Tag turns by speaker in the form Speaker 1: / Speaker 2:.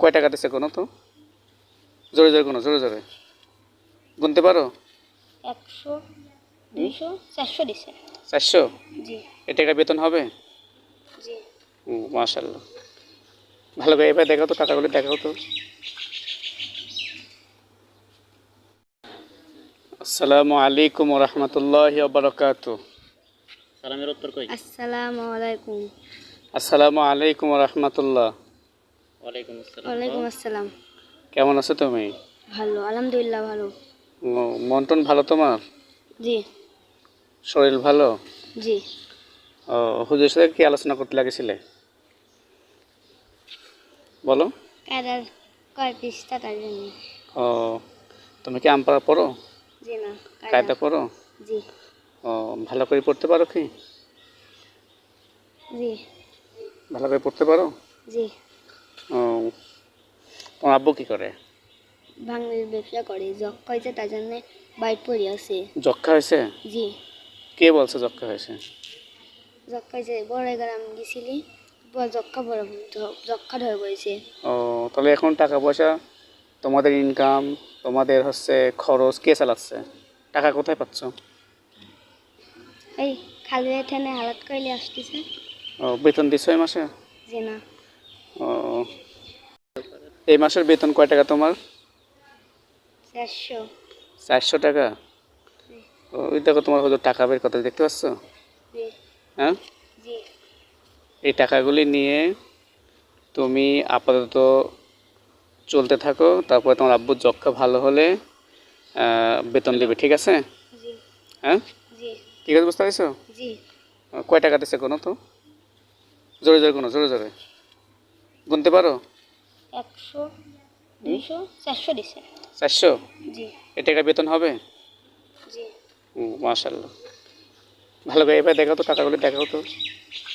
Speaker 1: কয় টাকা দিচ্ছে কোনো তো? জোরে জোরে কোনো, জোরে জোরে গুনতে পারো?
Speaker 2: 100, 200, 400 দিছে।
Speaker 1: 400?
Speaker 2: জি
Speaker 1: এ টাকা বেতন হবে?
Speaker 2: জি।
Speaker 1: মাশাআল্লাহ। ভালো করে এবার দেখাও তো, টাকাগুলো দেখাও তো। আসসালামু আলাইকুম ওয়া রাহমাতুল্লাহি ওয়া বারাকাতুহু।
Speaker 3: সালামের উত্তর কই?
Speaker 2: আসসালামু আলাইকুম।
Speaker 1: আসসালামু আলাইকুম ওয়া রাহমাতুল্লাহ।
Speaker 3: ওয়ালাইকুম আসসালাম।
Speaker 2: ওয়ালাইকুম আসসালাম।
Speaker 1: কেমন আছো তুমি?
Speaker 2: ভালো, আলহামদুলিল্লাহ ভালো।
Speaker 1: মন টন ভালো তোমার?
Speaker 2: জি
Speaker 1: শরীর ভালো?
Speaker 2: জি।
Speaker 1: ও, হুজুরের সাথে কি আলোচনা করতে লাগেছিলে বলো?
Speaker 2: কায়দার কয় পিস টাকার জন্য?
Speaker 1: ও, তুমি কি আমপাড়া পড়ো?
Speaker 2: জি না,
Speaker 1: কায়দা পড়ো?
Speaker 2: জি
Speaker 1: ও, ভালো করে পড়তে পারো কি?
Speaker 2: জি
Speaker 1: ভালো করে পড়তে পারো?
Speaker 2: জি।
Speaker 1: ও, তোমার আব্বু কি করে?
Speaker 2: ভাঙড়ির ব্যবসা করে, যক্ষা হয়েছে তার জন্য বাইট পড়ে আছে।
Speaker 1: যক্ষা হয়েছে?
Speaker 2: জি,
Speaker 1: কে বলছে যক্ষা হয়েছে?
Speaker 2: যক্ষা হয়েছে বড় গ্রাম গেছিলি, যক্ষা ধরে পড়েছে।
Speaker 1: ও, তাহলে এখন টাকা পয়সা, তোমাদের ইনকাম, তোমাদের হচ্ছে খরচ কে চালাচ্ছে? টাকা কোথায় পাচ্ছ?
Speaker 2: এই খালি এখানে হালাত করলে আসতেছে।
Speaker 1: ও, বেতন দিচ্ছ এই মাসে?
Speaker 2: জি না।
Speaker 1: ও, এই মাসের বেতন কয় টাকা তোমার?
Speaker 2: 400।
Speaker 1: 400 টাকা? ও, ওই দেখো তোমার হয়তো টাকা বের কথা দেখতে পাচ্ছ?
Speaker 2: জি
Speaker 1: হ্যাঁ,
Speaker 2: জি
Speaker 1: এই টাকাগুলি নিয়ে তুমি আপাতত চলতে থাকো, তারপরে তোমার আব্বুর যক্ষা ভালো হলে বেতন দেবে, ঠিক আছে?
Speaker 2: জি
Speaker 1: হ্যাঁ,
Speaker 2: জি
Speaker 1: ঠিক আছে, বুঝতে পারছো?
Speaker 2: জি।
Speaker 1: কয় টাকা দিচ্ছে কোনো তো? জোরে জোরে কোনো, জোরে জোরে গুনতে পারো?
Speaker 2: 100, 200, 400 দিছে।
Speaker 1: 400?
Speaker 2: জি
Speaker 1: এ টাকা বেতন হবে?
Speaker 2: জি।
Speaker 1: মাশাআল্লাহ। ভালো করে এবার দেখাও তো, টাকাগুলো দেখাও তো।